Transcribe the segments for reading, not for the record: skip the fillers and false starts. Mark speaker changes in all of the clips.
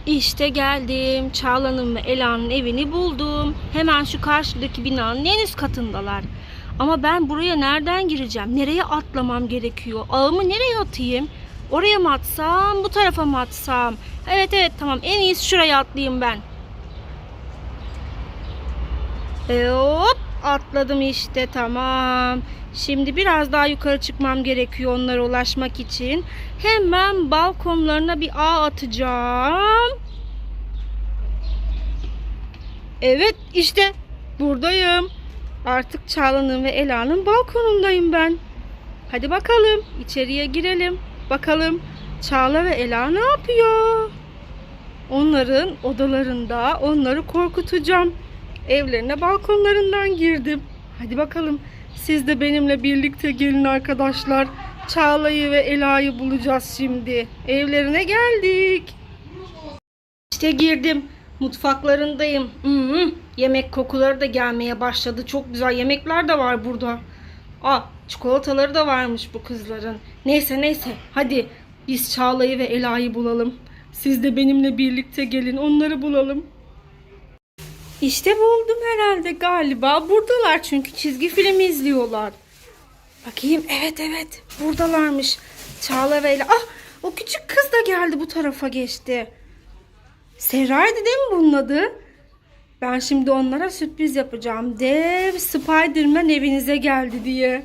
Speaker 1: İşte geldim. Çağla'nın ve Ela'nın evini buldum. Hemen şu karşıdaki binanın en üst katındalar. Ama ben buraya nereden gireceğim? Nereye atlamam gerekiyor? Ağımı nereye atayım? Oraya mı atsam? Bu tarafa mı atsam? Evet tamam. En iyisi şuraya atlayayım ben. Hop atladım işte, tamam. Şimdi biraz daha yukarı çıkmam gerekiyor onlara ulaşmak için. Hemen balkonlarına bir ağ atacağım. Evet işte buradayım. Artık Çağla'nın ve Ela'nın balkonundayım ben. Hadi bakalım içeriye girelim. Bakalım Çağla ve Ela ne yapıyor? Onların odalarında onları korkutacağım. Evlerine balkonlarından girdim. Hadi bakalım siz de benimle birlikte gelin arkadaşlar. Çağla'yı ve Ela'yı bulacağız şimdi. Evlerine geldik. İşte girdim. Mutfaklarındayım. Yemek kokuları da gelmeye başladı. Çok güzel yemekler de var burada. Çikolataları da varmış bu kızların. Neyse. Hadi biz Çağla'yı ve Ela'yı bulalım. Siz de benimle birlikte gelin onları bulalım. İşte buldum herhalde galiba. Buradalar çünkü çizgi film izliyorlar. Bakayım, evet buradalarmış. Çağla ve Ela. O küçük kız da geldi, bu tarafa geçti. Serra'ydı değil mi bunun adı? Ben şimdi onlara sürpriz yapacağım. Dev Spiderman evinize geldi diye.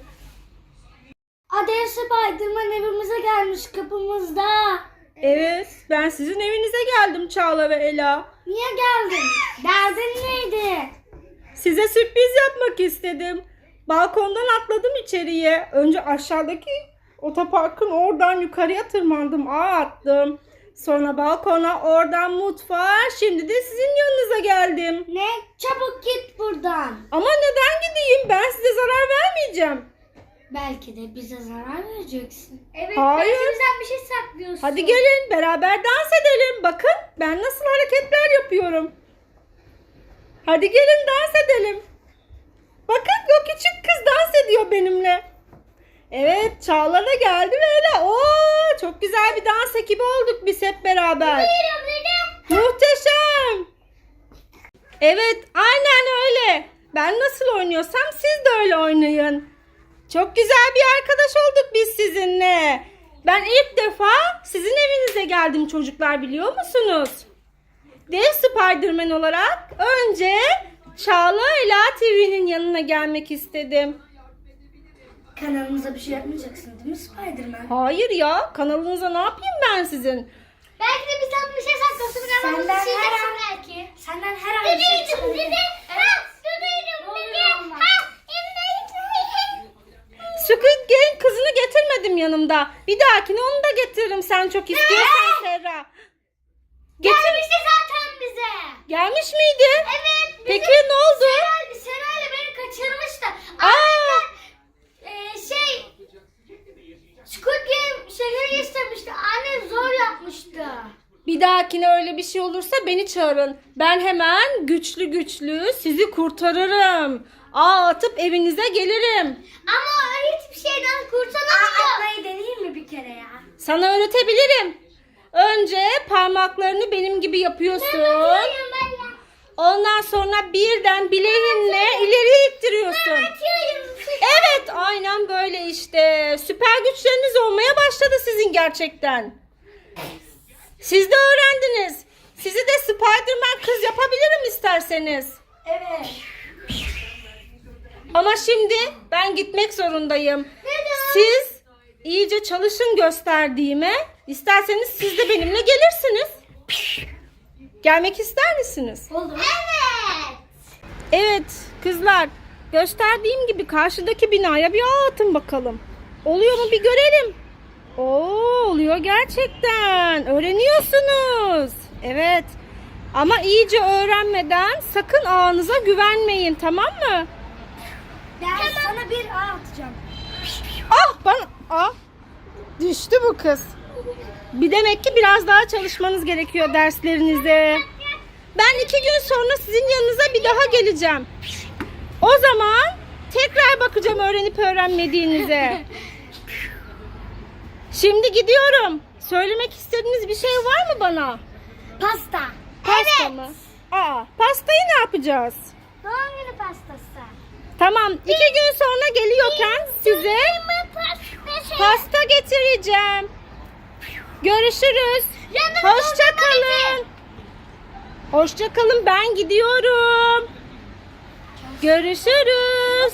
Speaker 2: Dev Spiderman evimize gelmiş kapımızda.
Speaker 1: Evet, ben sizin evinize geldim Çağla ve Ela.
Speaker 2: Niye geldin? Derdin neydi?
Speaker 1: Size sürpriz yapmak istedim. Balkondan atladım içeriye. Önce aşağıdaki otoparkın oradan yukarıya tırmandım. Attım. Sonra balkona, oradan mutfağa. Şimdi de sizin yanınıza geldim.
Speaker 2: Ne? Çabuk git buradan.
Speaker 1: Ama neden gideyim? Ben size zarar vermeyeceğim.
Speaker 2: Belki de bize zarar vereceksin. Evet.
Speaker 1: Hayır.
Speaker 2: Belki bizden bir şey saklıyorsun.
Speaker 1: Hadi gelin beraber dans edelim. Bakın ben nasıl hareketler yapıyorum. Hadi gelin dans edelim. Bakın o küçük kız dans ediyor benimle. Evet, Çağla da geldi böyle. Çok güzel bir dans ekibi olduk biz hep beraber. Muhteşem. Evet, aynen öyle. Ben nasıl oynuyorsam siz de öyle oynayın. Çok güzel bir arkadaş olduk biz sizinle. Ben ilk defa sizin evinize geldim çocuklar, biliyor musunuz? Dev Spiderman olarak önce Çağla Ela TV'nin yanına gelmek istedim.
Speaker 2: Kanalımıza bir şey yapmayacaksın değil mi Spiderman?
Speaker 1: Hayır ya, kanalınıza ne yapayım ben sizin?
Speaker 2: Belki de bizden bir şey saklasın. Senden her an bir şey çıkabilir.
Speaker 1: Squid Game kızını getirmedim yanımda. Bir dahakine onu da getiririm sen çok istiyorsan Serra.
Speaker 2: Gelmişti zaten bize.
Speaker 1: Gelmiş miydi?
Speaker 2: Evet.
Speaker 1: Peki ne oldu?
Speaker 2: Serayla beni kaçırmıştı. Squid Game şehri istemişti. Annem zor yapmıştı.
Speaker 1: Bir dahakine öyle bir şey olursa beni çağırın. Ben hemen güçlü sizi kurtarırım. Atıp evinize gelirim.
Speaker 2: Ama hiçbir şeyden kurtulamıyor. Atmayı deneyeyim mi bir kere ya?
Speaker 1: Sana öğretebilirim. Önce parmaklarını benim gibi yapıyorsun. Ondan sonra birden bileğinle ileri ittiriyorsun. Evet, aynen böyle işte. Süper güçleriniz olmaya başladı sizin gerçekten. Siz de öğrendiniz. Sizi de Spiderman kız yapabilirim isterseniz.
Speaker 2: Evet.
Speaker 1: Ama şimdi ben gitmek zorundayım.
Speaker 2: Neden?
Speaker 1: Siz iyice çalışın gösterdiğime. İsterseniz siz de benimle gelirsiniz. Gelmek ister misiniz?
Speaker 2: Oldu. Evet.
Speaker 1: Evet kızlar. Gösterdiğim gibi karşıdaki binaya bir ağ atın bakalım. Oluyor mu bir görelim. Oluyor gerçekten. Öğreniyorsunuz. Evet. Ama iyice öğrenmeden sakın ağınıza güvenmeyin, tamam mı?
Speaker 2: Ben sana bir ağ atacağım.
Speaker 1: Düştü bu kız. Bir demek ki biraz daha çalışmanız gerekiyor derslerinizde. Ben 2 gün sonra sizin yanınıza bir daha geleceğim. O zaman tekrar bakacağım öğrenip öğrenmediğinize. Şimdi gidiyorum. Söylemek istediğiniz bir şey var mı bana?
Speaker 2: Pasta.
Speaker 1: Pasta mı? Aa, pastayı ne yapacağız?
Speaker 2: Doğum günü pastası.
Speaker 1: Tamam, 2 gün sonra geliyorken size pasta getireceğim. Görüşürüz. Hoşça kalın. Hoşça kalın, ben gidiyorum. Görüşürüz.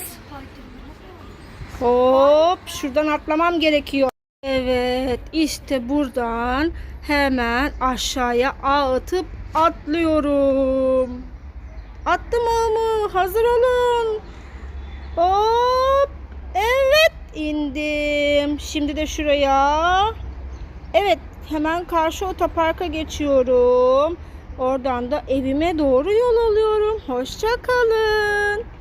Speaker 1: Hop, şuradan atlamam gerekiyor. Evet, işte buradan hemen aşağıya ağ atıp atlıyorum. Attım ağımı, hazır olun. Hop, evet indim. Şimdi de şuraya. Evet, hemen karşı otoparka geçiyorum. Oradan da evime doğru yol alıyorum. Hoşça kalın.